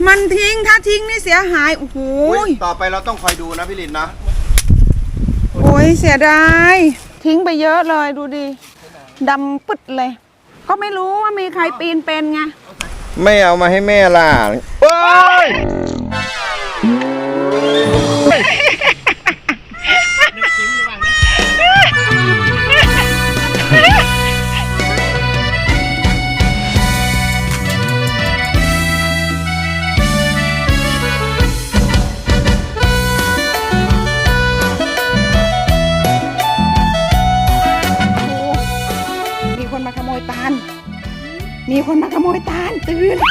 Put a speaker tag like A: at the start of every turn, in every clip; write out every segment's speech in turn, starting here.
A: มันทิ้งถ้าทิ้งนี่เสียหายโอ้โห
B: ต่อไปเราต้องคอยดูนะพี่ลินนะ
A: โอ้ยเสียดายทิ้งไปเยอะเลยดูดิดำปึ๊ดเลยก็ไม่รู้ว่ามีใครปีนเป็นไง
B: ไม่เอามาให้แม่ล่ะเฮ้ย
A: มีคนมาขโมยตาลตื่น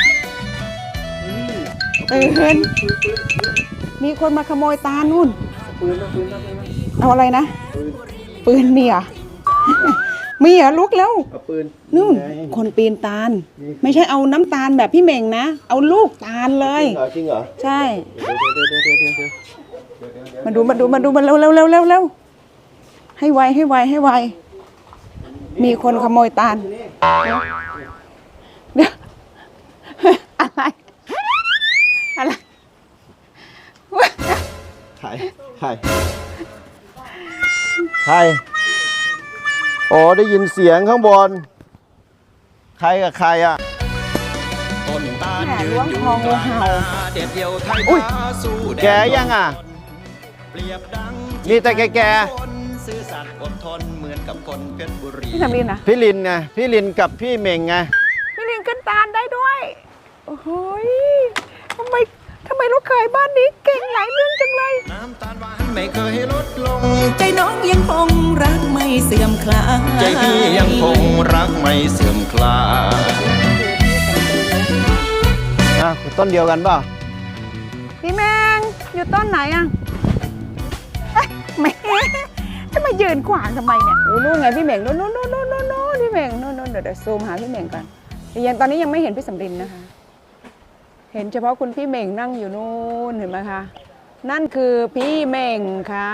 A: มีคนมาขโมยตาลนู่นเอาอะไรนะปืนมีเหรอมีเหรอลุกแล้วนู่นคนปีนตาลไม่ใช่เอาน้ำตาลแบบพี่เหม่งนะเอาลูกตาลเลย
B: จริงเหรอ
A: ใช่มาดูเร็วให้ไวมีคนขโมยตาลเดี๋ยวอะไร
B: ใครโอ้ได้ยินเสียงข้างบนใครกับใครอ่ะ
A: ต้นตาลยืนอยู่กลางนาเด็ดเดียวไทยสู้แก
B: ยังอ่ะนี่แต่แก
A: ซื่อสัตย์อดทนเหมือนกับคนเพชรบุรีพี่ทำลินนะ
B: พี่ลินไงพี่ลินกับพี่เม่งไง
A: พี่ลินขึ้นตาลได้ด้วยโอ้โหทำไมลูกเขยบ้านนี้เก่งหลายเรื่องจังเลย
C: น้ำตาลหวานไม่เคยลดลงใจน้องยังคงรักไม่เสื่อมคลายใจพี่ยังคงรักไม่เสื่อมคลาย
B: ต้นเดียวกันป่ะ
A: พี่แมงอยู่ต้นไหนอ่ะแม่จะมายืนขวางทำไมเนี่ยโอ้นู่นไงพี่เหม่งนู่นพี่เหม่งนู่นเดี๋ยวซูมหาพี่เหม่งก่อนตอนนี้ยังไม่เห็นพี่สำรินนะคะเห็นเฉพาะคุณพี่เหม่งนั่งอยู่นู่นเห็นไหมคะนั่นคือพี่เหม่งค่ะ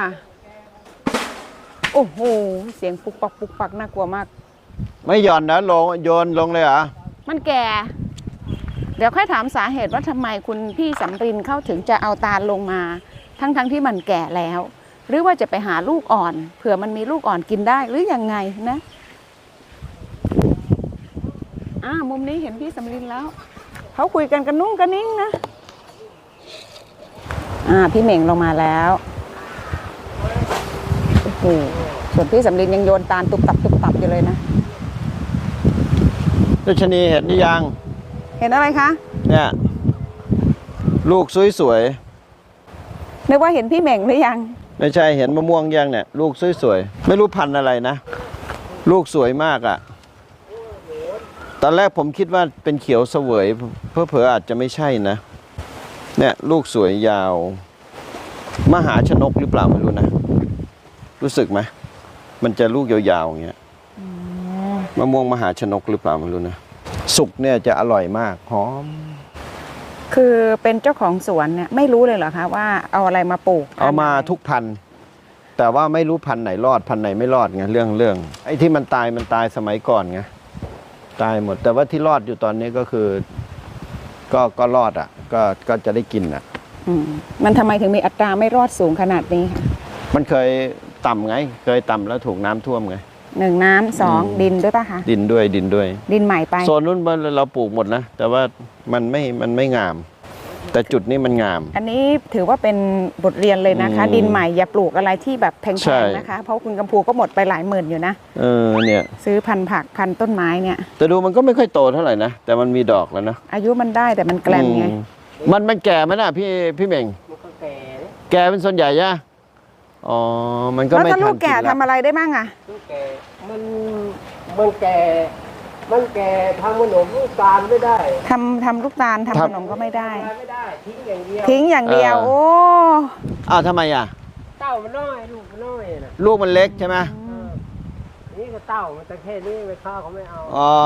A: โอ้โหเสียงปุกปักน่ากลัวมาก
B: ไม่หย่อนนะโยนลงเลยเหรอ
A: มันแก่เดี๋ยวค่อยถามสาเหตุว่าทำไมคุณพี่สำรินเข้าถึงจะเอาตาลลงมาทั้งที่มันแก่แล้วหรือว่าจะไปหาลูกอ่อนเผื่อมันมีลูกอ่อนกินได้หรือยังไงนะมุมนี้เห็นพี่สำรินแล้วเขาคุยกันกันนุ่งกันนิ่งนะพี่เหม่งลงมาแล้วโอ้โหส่วนพี่สำรินยังโยนตาลตุบตับอยู่เลยนะ
B: รัชนีเห็นหรือยัง
A: เห็นอะไรคะ
B: เนี่ยลูกสวย
A: นึกว่าเห็นพี่เหม่งหรือยัง
B: ไม่ใช่เห็นมะม่วงยังเนี่ยลูกสวยๆไม่รู้พันธุ์อะไรนะลูกสวยมากอ่ะตอนแรกผมคิดว่าเป็นเขียวเสวยเผลออาจจะไม่ใช่นะเนี่ยลูกสวยยาวมหาชนกหรือเปล่าไม่รู้นะรู้สึกไหมมันจะลูกยาวๆอย่างเงี้ยมะม่วงมหาชนกหรือเปล่าไม่รู้นะสุกเนี่ยจะอร่อยมากหอม
A: คือเป็นเจ้าของสวนเนี่ยไม่รู้เลยเหรอคะว่าเอาอะไรมาปลูก
B: เอามาทุกพันธุ์แต่ว่าไม่รู้พันธุ์ไหนรอดพันธุ์ไหนไม่รอดไงเรื่องไอ้ที่มันตายสมัยก่อนไงตายหมดแต่ว่าที่รอดอยู่ตอนนี้ก็คือก็รอดอ่ะก็จะได้กินอ่ะ
A: มันทำไมถึงมีอัตราไม่รอดสูงขนาดนี้คะ
B: มันเคยต่ำไงเคยต่ำแล้วถูกน้ำท่วมไง
A: 1น้ำ2ดินด้วยป่ะคะ
B: ดินด้วย
A: ดินใหม่ไป
B: โซนนู้นเราปลูกหมดนะแต่ว่ามันไม่งามแต่จุดนี้มันงาม
A: อันนี้ถือว่าเป็นบทเรียนเลยนะคะดินใหม่อย่าปลูกอะไรที่แบบแพงๆนะคะเพราะคุณกำพูก็หมดไปหลายหมื่นอยู่นะ
B: เนี่ย
A: ซื้อพันธุ์ผักพันธุ์ต้นไม้เนี่ย
B: แต่ดูมันก็ไม่ค่อยโตเท่าไหร่นะแต่มันมีดอกแล้วนะ
A: อายุมันได้แต่มันแกลนไง
B: มันแก่ไหมนะพี่เม่งแก่เป็นส่วนใหญ่ย่ะอ๋อมันก็ไม่ทัน
A: แล้วลูกแก่ทำอะไรได้บ้างอะ
D: ลูกแก่มันแก่ทำขนมลูกตาลไม่ได้
A: ทำลูกตาลทำขนมก็ไม่ได้
D: ทิ้งอย่างเดียว
A: โอ้
B: ทำไมอ่ะ
D: เต้ามันน้อยลูกมันน้อยนะ
B: ลูกมันเล็กใช่ไหม
D: นี่ก็เต้ามันแต่แค่นี้ไปข้าวเขาไม่เอา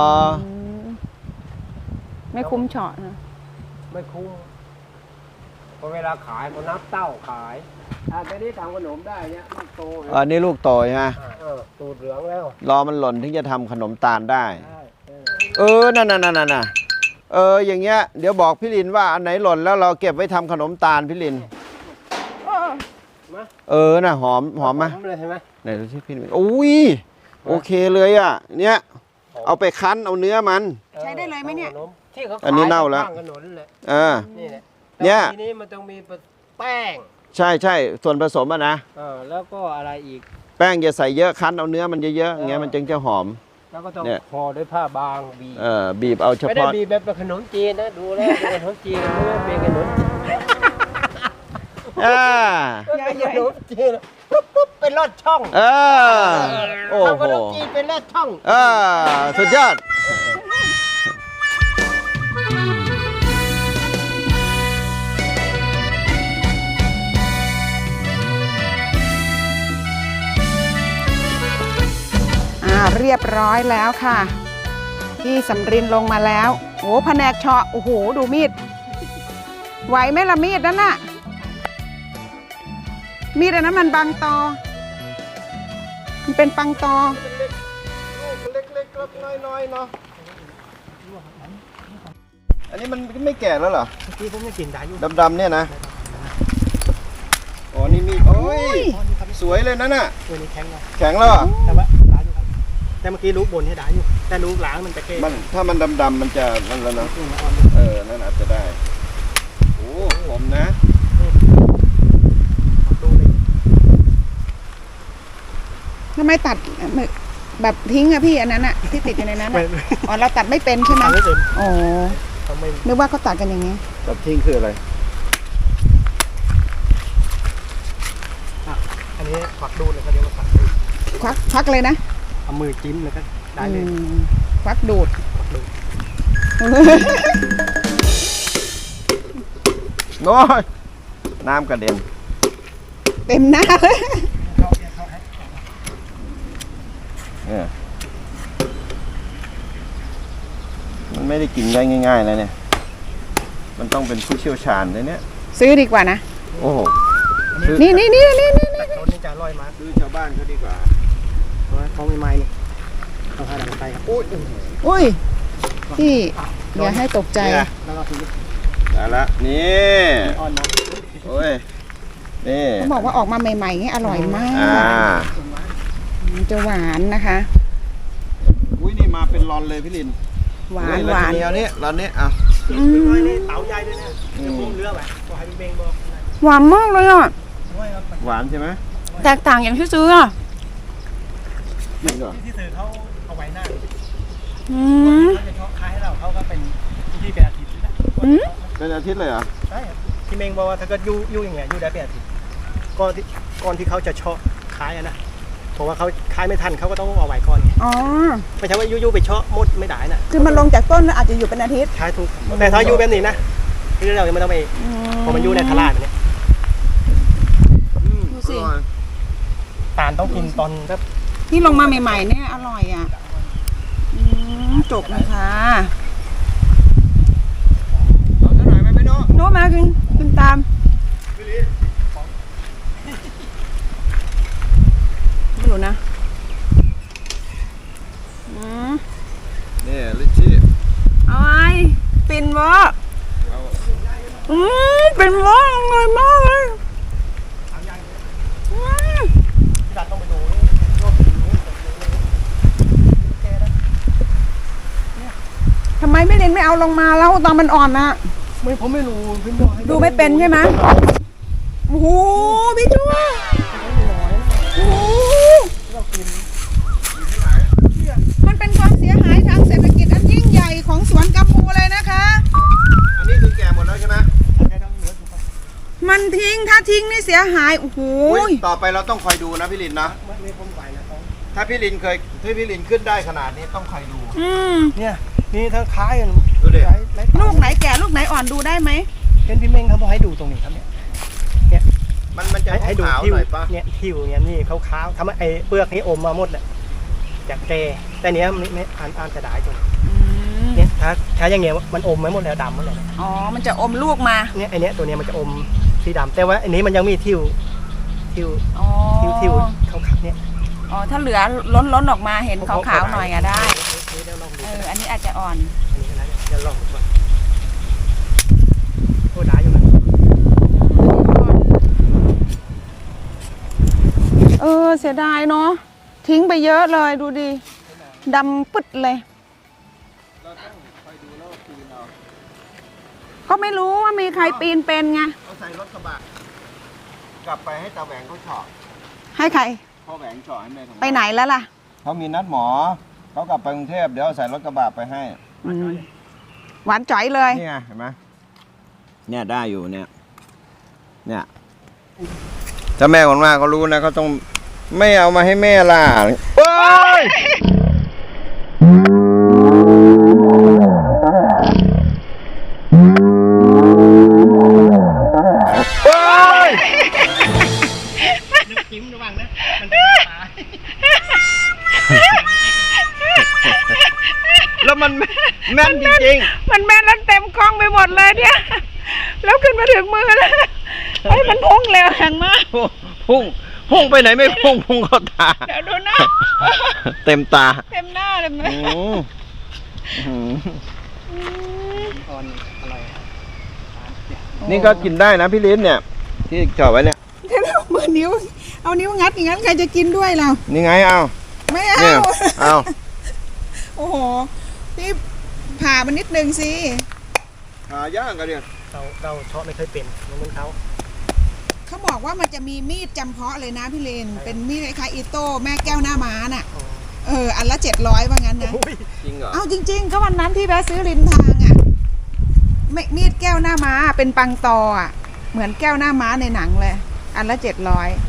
A: ไม่คุ้มเฉาะนะ
D: ไม่คุ้มพอเวลาขายเขานับเต้าขายแต่นี่ทำขนมได้เนี่ยลูกโต
B: นี่ลูกโตใช่ไหม
D: ตูดเหลืองแล้ว
B: รอมันหล่นถึงจะทำขนมตาลได้นั่นอย่างเงี้ยเดี๋ยวบอกพี่ลินว่าอันไหนหล่นแล้วเราเก็บไว้ทำขนมตาลพี่ลินน่ะหอมไหม
D: เลยใช่ไหม
B: ไหนดูสิพี่ลินอุ้ยโอเคเลยอ่ะเนี่ยเอาไปคั้นเอาเนื้อมัน
A: ใช้ได้เลยไหมเนี่ย
D: ที่เขา
B: อันนี้เน่าแล้ว
D: ข้างถนนเลย นี่แหละ
B: เนี่ย
D: ทีนี้มันต้องมีแป้ง
B: ใช่ส่วนผสมอะนะ
D: แล้วก็อะไรอีก
B: แป้งอย่าใส่เยอะคั้นเอาเนื้อมันเยอะๆอย่างเงี้ยมันจึงจะหอม
D: แล้วก็ต้อง
B: เนี่ย
D: ห่อด้วยผ้าบางบีบ
B: บีบเอาเฉ
D: ไม่ได้
B: พาะ
D: บีบแบบขนมจีนนะดูแล้วเป็นขนมจีนไม่ได้เป็นขนมจีน
B: อ่า
D: เป็นขนมจีนปุ๊บเป็นลอดช่อง
B: โอ้
D: ทำข
B: โห
D: นมจีนเป็นลอดช่อง
B: สุดยอด
A: เรียบร้อยแล้วค่ะพี่สำรินลงมาแล้วโอ้แผนกเฉาะโอ้โหดูมีดไหวไหมล่ะมีดนั่นน่ะมีดอันนั้นมันบางตอมันเป็นปังตอ
B: เล็กๆน้อยๆเนาะอันนี้มันไม่แก่แล้วเหรอ
D: เมื่อกี้ผมยังกินได้อยู่
B: ดำๆเนี่ยนะอ๋อนี่มีดโอ้ยสวยเลยนั่นน่ะ
D: ตัวนี้แข็งนะ
B: แข็งแล้วเหรอ
D: แต่ว่าได้อยู่ครับแต่เมื่อกี้ลูกบนให้ได้อยู่แต่ลูกหลังมันจะเก้
B: ถ้ามันดำๆมันจะนั่นแล้วเนาะนั่นอาจจะได้โอ้ผมนะ
D: ดูเลย
A: ทำไมตัดแบบทิ้งอะพี่อันนั้นอะที่ติดอยู่ในนั้นอะอ๋อเราตัดไม่เป็นใช่ไหม
D: ทำไม่เป็น
A: อ๋อ
D: ทำไม่
A: นึกว่าเขาตัดกันอย่างนี้
B: ตัดทิ้งคืออะไร
D: อันนี้ควักดูเลยเขาเรียกว่าควักดู
A: ควักเลยนะ
D: เอามือจิ้มแล้วก็ได้เลย
A: ควักดูด
D: ควักดู
B: น้อยน้ำกระเด็น
A: เต็มหน้าเลย
B: มันไม่ได้กินได้ง่ายๆนะเนี่ยมันต้องเป็นผู้เชี่ยวชาญเลยเนี่ย
A: ซื้อดีกว่านะ
B: โอ้โห
A: นี่
D: แต่ต้นนี้จะอร่อยมาก
B: ซื้อชาวบ้านเขาดีกว่า
D: เพราะว่าเขาไม่ไม้นี่เขาหาดังไฟครับ
A: อุ้ยพี่อย่าให้ตกใจ
B: เนี่ย
D: แล้วก็ทีนี้
B: ได้ละนี่
D: อ่อนนะ
B: โอ้ยนี่
A: เขาบอกว่าออกมาใหม่ๆนี่อร่อยมาก มันจะหวานนะคะ
B: อุ้ยนี่มาเป็นรอนเลยพี่ลิน
A: หวาน
B: อุ้ย
A: หวาน
B: แล้ทีนี้เอานี้รอนนี้อ่ะ
D: น้อยนี่เต๋าใหญ่ด้วยนะจะพุ่งเรือไปก็ให้เบงบอก
A: หวานมากเลยอ่ะ
B: หวานใช่ไหม
A: แตกต่างอย่างที่ซื้ออ่ะ
B: จริงเหรอ
D: ที่ซื้อเขาเอาไว้หน้า
A: อืม
D: เขาจะชอบขายให้เราเขาก็เป็นที่เป็นอาทิตย์นะ
B: เป็นอาทิตย์เลยเหรอ
D: ใช่ที่เมงบอกว่าถ้าเกิดยู่อย่างเงี้ยยู่ได้เป็นอาทิตย์ก่อนที่เขาจะชอบขายนะเพราะว่าเขาขายไม่ทันเขาก็ต้องเอาไว้ก่อนไง
A: อ๋อ
D: ไม่ใช่ว่ายู่ไปเชาะหมดไม่ได้นะ
A: คือมันลงจากต้นแล้วอาจจะอยู่เป็นอาทิตย์
D: ใช้ถูกแต่ถ้ายู่แบบนี้นะที่เรายังไม่ต้องไปพอมันยู่ในทลาดเนี่ย
A: ดูสิ
B: อร่อย
D: ตาลต้องกินตอนแบบ
A: ที่ลงมาใหม่ๆเนี่ยอร่อยอ่ะจบนะคะ
B: เอาสักหน่อยไหมพี่โน้
A: โน้ตมากินตามไม่รู้นะ
B: นี่ลิชชี่
A: เอาไอ้ปิ่นวะปิ่นวะอร่อยมากเลย
D: ที่ร้านต้องไปดู
A: ทำไมไม่เรียนไม่เอาลงมาแล้วตอนมันอ่อนนะ
D: ผมไม่รู้พี่บอกให้
A: ดูไม่เป็นใช่ไหมโอ้โหพี่ชัวโอ้โหมันเป็นความเสียหายทางเศรษฐกิจอันยิ่งใหญ่ของสวนกัมพูเลยนะคะ
B: อันนี้คือแก่หมดแล้วใช่ไหม
A: มันทิ้งถ้าทิ้งนี่เสียหายโอ้โห
B: อุ๊ยต่อไปเราต้องคอยดูนะพี่ลินนะ
D: ไม่ผมไหวนะต้อง
B: ถ้าพี่ลินขึ้นได้ขนาดนี้ต้องคอยดู
D: เนี่ยนี่ถ้าขาย
B: ดูดิ
A: ลูกไหนแก่ลูกไหนอ่อนดูได้ไหม
D: เป็นพี่เม้งเขาบอกให้ดูตรงนี้ครับเนี่ย
B: มันจะ
D: ให้ดู
B: ขาว
D: ทิว
B: หน่อยปะ
D: เนี่ยทิวเนี่ยนี่ขาวๆทำให้ไอ้เปลือกนี่อมมาหมดเลยจากแกแต่เนี้ยไม่อ่านจะได้ตรงเนี่ยถ้าอย่างเงี้ยมันอมไม่หมดแล้วดำหมดเลย
A: อ๋อมันจะอมลูกมา
D: เนี่ยไอ้เนี้ยตัวเนี้ยมันจะอมสีดำแต่ว่าอันนี้มันยังมีทิว
A: อ๋อ
D: ขาวๆเนี่ย
A: อ๋อถ้าเหลือล้นออกมาเห็นขาวๆหน่อยอะได้
D: เดี๋ยวลองดู
A: อันนี้อาจจะอ่อน
D: อันนี้นะเดี๋ยวลองดูก่อนโอ้ได้อยู่นะ
A: เสียดายเนาะทิ้งไปเยอะเลยดูดิดำปึ๊ดเลยก็ไม่รู้ว่ามีใครปีนเป็นไง
B: เอาใส่รถกระบะกลับไปให้ตาแหวงเขาเฉาะ
A: ให้ใคร
B: พ่อแหวงเฉาะให้แม่ทำ
A: ไปไหนแล้วล่ะ
B: เขามีนัดหมอเขากลับไปกรุงเทพเดี๋ยวเอาใส่รถกระบะไปให้
A: หวานจ๋อยเลย
B: นี่ไงเห็นไหมเนี่ยได้อยู่เนี่ยถ้าแม่คนว่าเขารู้นะเขาต้องไม่เอามาให้แม่ล่ะเฮ้ยเฮ้ย
D: จิ้มระวังนะมันเป็นปลา
B: แล้วมันแม่นจริง
A: มันแม่นแล้วเต็มกล้องไปหมดเลยเนี่ยแล้วขึ้นมาถึงมือแล้วเฮ้ยมันพุ่งเร็วแรงมาก
B: ๆพุ่งไปไหนไม่พุ่งเข้าตา
A: เดี๋ยวดูนะ
B: เต็มตา
A: เต็มหน้าเลยมั้ย
D: ตอนอร่อย
B: นี่ก็กินได้นะพี่ลิ้นเนี่ยที่จ่อไว้เนี่ย
A: เดี๋ยวมือนิ้วเอานิ้วงัดอย่างนั้นใครจะกินด้วยเรา
B: นี่ไงเอา
A: ไม่เอา
B: เนี่ยเอา
A: โอ้โหพี่ผ่ามันนิดนึงสิ
B: หาย่างกันเนี่ย
D: เราชอบไม่เคยเป็นเหมือนเขา
A: เขาบอกว่ามันจะมีมีดจำเพาะเลยนะพี่เลนเป็นมีดคล้ายๆอีโต้แม่แก้วหน้าม้าน่ะอันละ700ว่างั้นนะ
B: จริงเหรอ
A: เอาจริงๆก็วันนั้นที่แวะซื้อริมทางอ่ะมีดแก้วหน้าม้าเป็นปังตออ่ะเหมือนแก้วหน้าม้าในหนังเลยอันละ700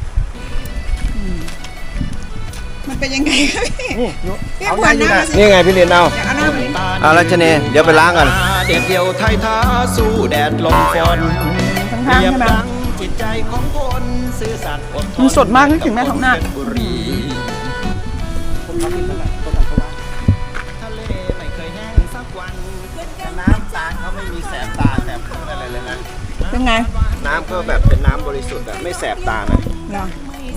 A: มันเป็นยังไงคะพี่พี่
D: เอา
A: ควรห
D: ได้
A: น้า
D: อยู่นะ
A: สิ
B: นี่ไงพี่ลิ้นเอา
A: อยากเอาหน้ามาดิ
B: เอารัชเนยเดี๋ยวไปล้างกัน
C: เด็ดเดียวไทยท้าสู้แดดลมฝน
A: ข้างๆใช่ไหม
C: ดังจิตใจของคนซื่อสัตย์อดทน
A: มันสดมากนึกถึงแม่ท้องนาค
C: บุรี
D: ผมชอบกินแบบต้มแบบว่า
C: ทะเลไม่เคยแห้งสักวัน
B: น้ำตาลเขาไม่มีแสบตาแสบอะไรเลยนะ
A: เป็นไง
B: น้ำก็แบบเป็นน้ำบริสุทธิ์อะไม่แสบตานะ
A: เหรอ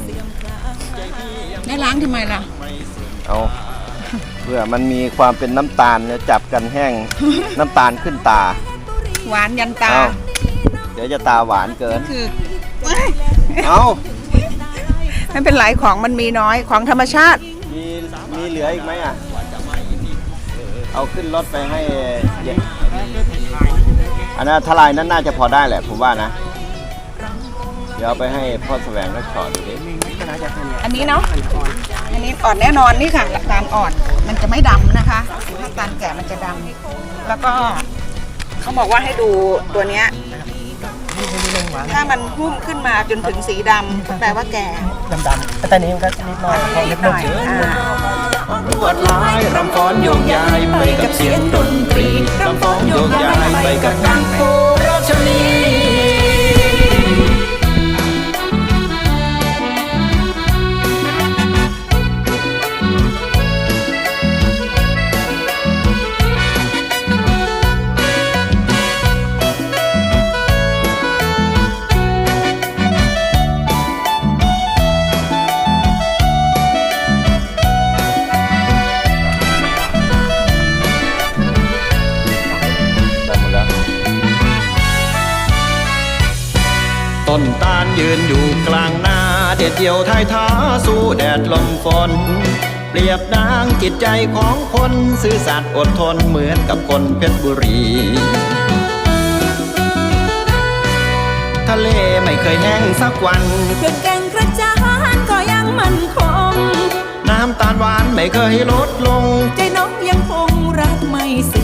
A: ได้ล้างทำไมล่ะ
B: เอาเพื่อมันมีความเป็นน้ำตาลเนี่ยจับกันแห้ง น้ำตาลขึ้นตา
A: หวานยันตา
B: เอาเดี๋ยวจะตาหวานเกิน
A: คือ
B: เอา
A: ไม่เป็นไรของมันมีน้อยของธรรมชาติ
B: มีเหลืออีกไหมอ่ะ เอาขึ้นรถไปให้เย็นอันนั้นทลายนั้นน่าจะพอได้แหละผมว่านะ เดี๋ยวเอาไปให้พ่อแสวงก็ขอดูดิ
A: อันนี้เนาะอันนี้อ่อนแน่นอนนี่ค่ะตาลอ่อนมันจะไม่ดำนะคะถ้าตาลแก่มันจะดำแล้วก็เขาบอกว่าให้ดูตัวเนี้ยถ้ามันหุ้มขึ้นมาจนถึงสีดำแปลว่าแก่
D: ดำๆแต่นี้มันก็นิดหน่อยพอเล็ก
A: หน่อย
C: ลวดลายรำฟ้อนโยกย้ายไปกับเสียงดนตรีรำฟ้อนโยกย้ายไปกับการโคราชนี
B: ได้หมดแล้ว
C: ต้นตาลยืนอยู่กลางนาเด็ดเดี่ยวท้ายท้าสู้แดดลมฝนเปรียบดังจิตใจของคนซื่อสัตย์อดทนเหมือนกับคนเพชรบุรี ทะเลไม่เคยแห้งสักวัน
E: เขื่อนแก่งกระจานก็ยังมั่นคง
C: น้ำตาลหวานไม่เคยลดลง
E: ใจน้องยังคงรักไม่เสื่อม